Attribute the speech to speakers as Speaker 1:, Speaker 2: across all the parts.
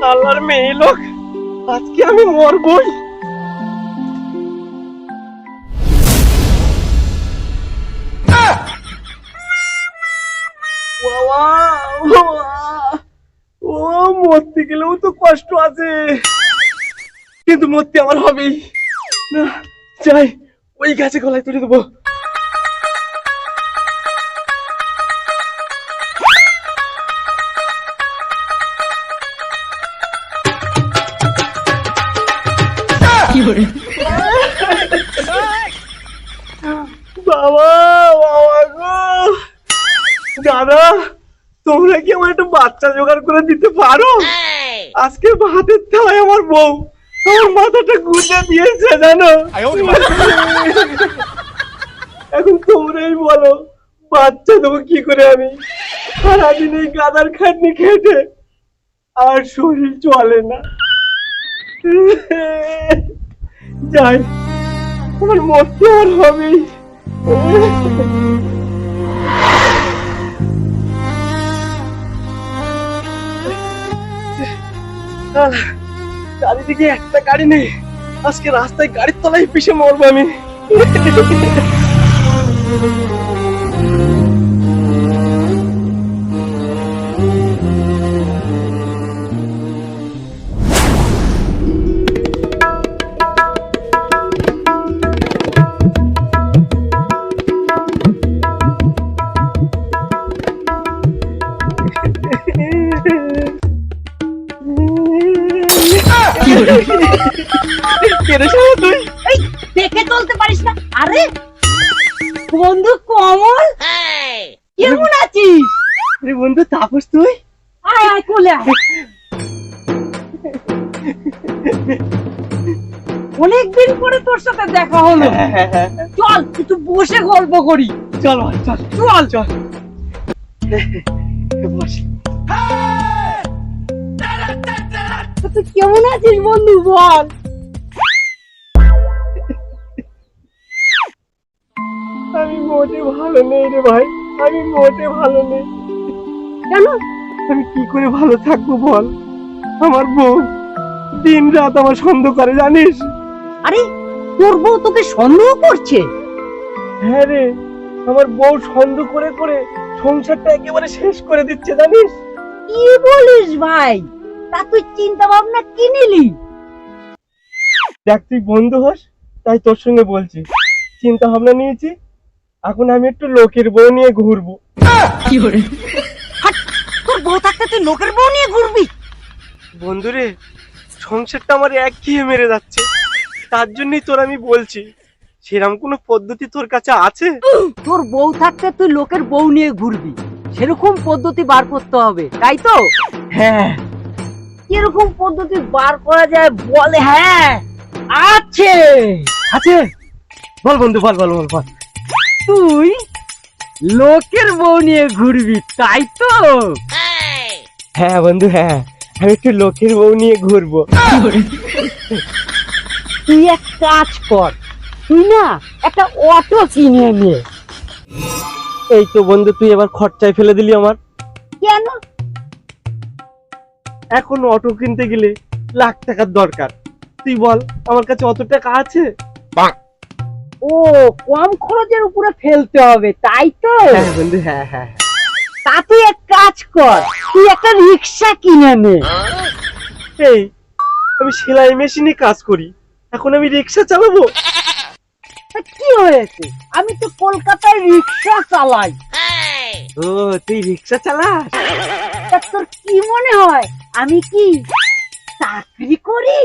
Speaker 1: আল্লাহর মেয়ে লোক, আজকে আমি মরবই। ও মরতে গেলেও তো কষ্ট আছে, কিন্তু মরতে আমার হবেই না। যাই, ওই গাছে গলায় তুলে দেবো। বাবা বাবা গো, দাদা তোমরা কি আমার একটা বাচ্চা জোগাড় করে দিতে পারো? আজকে ভাতের থালায় আমার বউ আমার মাথাটা গুঁজে দিয়েছে জানো। এখন তোমরাই বলো বাচ্চা দেবো কি করে আমি? সারাদিন এই গাদার খাটনি খেটে আর শরীর চলে না। যাই, আমার মরতে আর হবেই। চারিদিকে একটা গাড়ি নেই, আজকে রাস্তায় গাড়ির তলায় পিষে মরবো আমি।
Speaker 2: দেখে চলতে পারিস না? আরে বন্ধু কমল, কেমন আছিস?
Speaker 1: আরে বন্ধু তাপস, তুই
Speaker 2: আয় আয় কোলে আয়। অনেকদিন পরে তোর সাথে দেখা হলো, চল একটু বসে গল্প করি।
Speaker 1: চল চল
Speaker 2: চল
Speaker 1: চল বস।
Speaker 2: তুই কেমন আছিস বন্ধু বল?
Speaker 1: আমি মোটে ভালো নেই রে ভাই, আমি মোটে ভালো নেই।
Speaker 2: কেন?
Speaker 1: আমি কি করে ভালো থাকবো বল? আমার বউ দিন রাত আমার সন্দেহ করে জানিস।
Speaker 2: আরে তোর বউ তোকে সন্দেহ করছে?
Speaker 1: হ্যাঁ রে, আমার বউ সন্দেহ করে করে সংসারটা একেবারে শেষ করে দিচ্ছে জানিস।
Speaker 2: কি বলিস ভাই? তা তুই চিন্তা ভাবনা কি নিলি?
Speaker 1: দেখ, তুই বন্ধু হস তাই তোর সঙ্গে বলছি। চিন্তা ভাবনা নিয়েছি, এখন আমি একটু লোকের বউ নিয়ে ঘুরবো।
Speaker 2: কি করে? তোর বউ থাকতে তুই লোকের বউ নিয়ে ঘুরবি?
Speaker 1: বন্ধুরে, সংসারটা আমার একঘেয়ে মেরে যাচ্ছে, তার জন্যই তোর আমি বলছি, সেরকম কোনো পদ্ধতি তোর কাছে আছে?
Speaker 2: তোর বউ থাকতে তুই লোকের বউ নিয়ে ঘুরবি, সেরকম পদ্ধতি বার করতে হবে, তাই তো?
Speaker 1: হ্যাঁ।
Speaker 2: কিরকম পদ্ধতি বার করা যায় বলে? হ্যাঁ আছে
Speaker 1: আছে, বল বন্ধু, বল বল বল বল।
Speaker 2: তুই লোকের বউ নিয়ে ঘুরবি, তাই তো?
Speaker 1: হ্যাঁ বন্ধু, হ্যাঁ, আমি একটু লোকের বউ নিয়ে ঘুরবো।
Speaker 2: তুই এক কাজ কর, তুই না একটা অটো কিনে নে।
Speaker 1: এই তো বন্ধু, তুই এবার খরচায় ফেলে দিলি আমার।
Speaker 2: কেন?
Speaker 1: এখন অটো কিনতে গেলে লাখ টাকার দরকার, তুই বল আমার কাছে অত টাকা আছে?
Speaker 2: ও, কম খরচের উপরে ফেলতে হবে, তাই তো?
Speaker 1: হ্যাঁ বন্ধু, হ্যাঁ হ্যাঁ।
Speaker 2: তা তুই এক কাজ কর, তুই একটা রিক্সা কিনে নে।
Speaker 1: এই, আমি সেলাই মেশিনে কাজ করি, এখন আমি রিক্সা চালাবো?
Speaker 2: তা কি হয়েছে, আমি তো কলকাতায় রিক্সা চালাই।
Speaker 1: ও, তুই রিক্সা চালাস?
Speaker 2: তা তোর কি মনে হয় আমি কি চাকরি করি?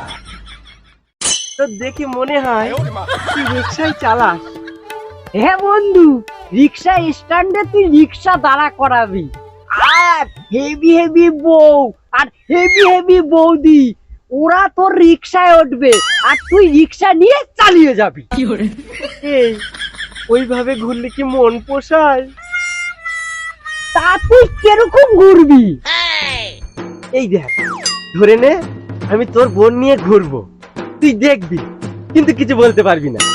Speaker 1: তোর দেখে মনে হয় তুই রিক্সাই চালাস।
Speaker 2: হ্যাঁ বন্ধু, রিক্সা স্ট্যান্ডে তুই রিক্সা দাঁড়া করাবি, আর হেভি হেভি বউ আর হেভি হেভি বৌদি ওরা তোর রিক্সায় উঠবে, আর তুই রিক্সা নিয়ে চালিয়ে যাবি।
Speaker 1: এই, ওইভাবে ঘুরলে কি মন পোষায়?
Speaker 2: তা তুই কিরকম ঘুরবি?
Speaker 1: এই দেখ, ধরে নে আমি তোর বোন নিয়ে ঘুরবো, তুই দেখবি কিন্তু কিছু বলতে পারবি না।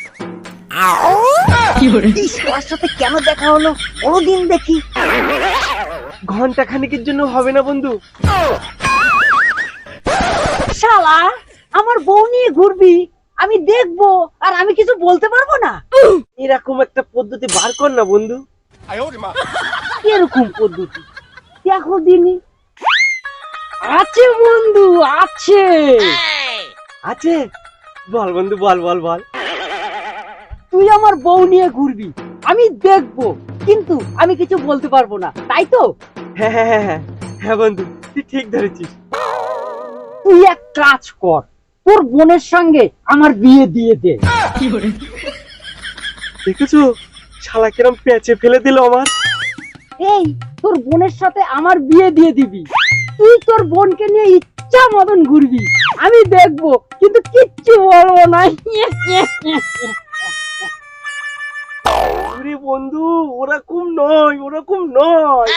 Speaker 2: এই সবার সাথে কেন দেখা হলো, কোনদিন দেখি।
Speaker 1: ঘন্টা খানিকের জন্য হবে না বন্ধু?
Speaker 2: শালা আমার বউ নিয়ে ঘুরবি, আমি দেখবো আর আমি কিছু বলতে পারবো না?
Speaker 1: এরকম একটা পদ্ধতি বার কর না বন্ধু।
Speaker 2: এরকম পদ্ধতি দেখো দিনি। আছে বন্ধু, আছে।
Speaker 1: আছে, বল বন্ধু, বল বল বল।
Speaker 2: তুই আমার বউ নিয়ে ঘুরবি, আমি দেখবো, কিন্তু আমি কিছু বলতে পারবো না, তাই তো?
Speaker 1: হ্যাঁ হ্যাঁ হ্যাঁ হ্যাঁ হ্যাঁ বন্ধু, তুই ঠিক ধরেছিস।
Speaker 2: তুই এক কাজ কর, তোর বোনের সঙ্গে আমার বিয়ে দিয়ে দে।
Speaker 1: দেখেছো শালা কিরম পেঁচে ফেলে দিল আমার।
Speaker 2: এই তোর বোনের সাথে আমার বিয়ে দিয়ে দিবি, তুই তোর বোনকে নিয়ে ইচ্ছা মতন ঘুরবি, আমি দেখবো, কিন্তু কিচ্ছু বলবো না।
Speaker 1: আরে বন্ধু, ওরকম নয়, ওরকম নয়।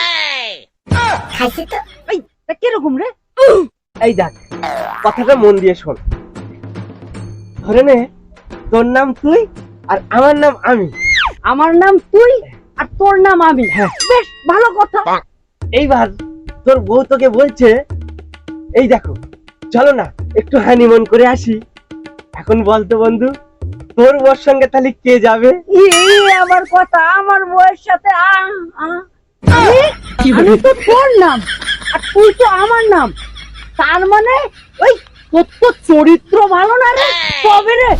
Speaker 2: এই, তা কিরকম রে?
Speaker 1: এই দেখ, কথাটা মন দিয়ে শোন। ধরে নে তোর নাম তুই আর আমার নাম আমি।
Speaker 2: আমার নাম তুই আর তোর নাম আমি।
Speaker 1: হ্যাঁ।
Speaker 2: বেশ ভালো কথা।
Speaker 1: এইবার তোর বউ তোকে বলছে, এই দেখো চলো না একটু হানিমুন করে আসি। এখন বলতো বন্ধু, তোর বউর সঙ্গে তাহলে কে যাবে?
Speaker 2: এই আমার কথা, আমার বউয়ের সাথে আমি তো তোর নাম আর তুই তো আমার নাম, তার মানে ওই তোর তো চরিত্র ভালো না রে, তবে রে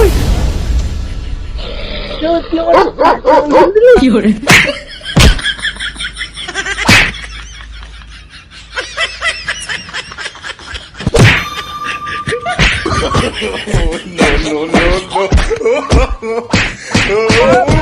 Speaker 3: কি করে
Speaker 4: no, no, no, no.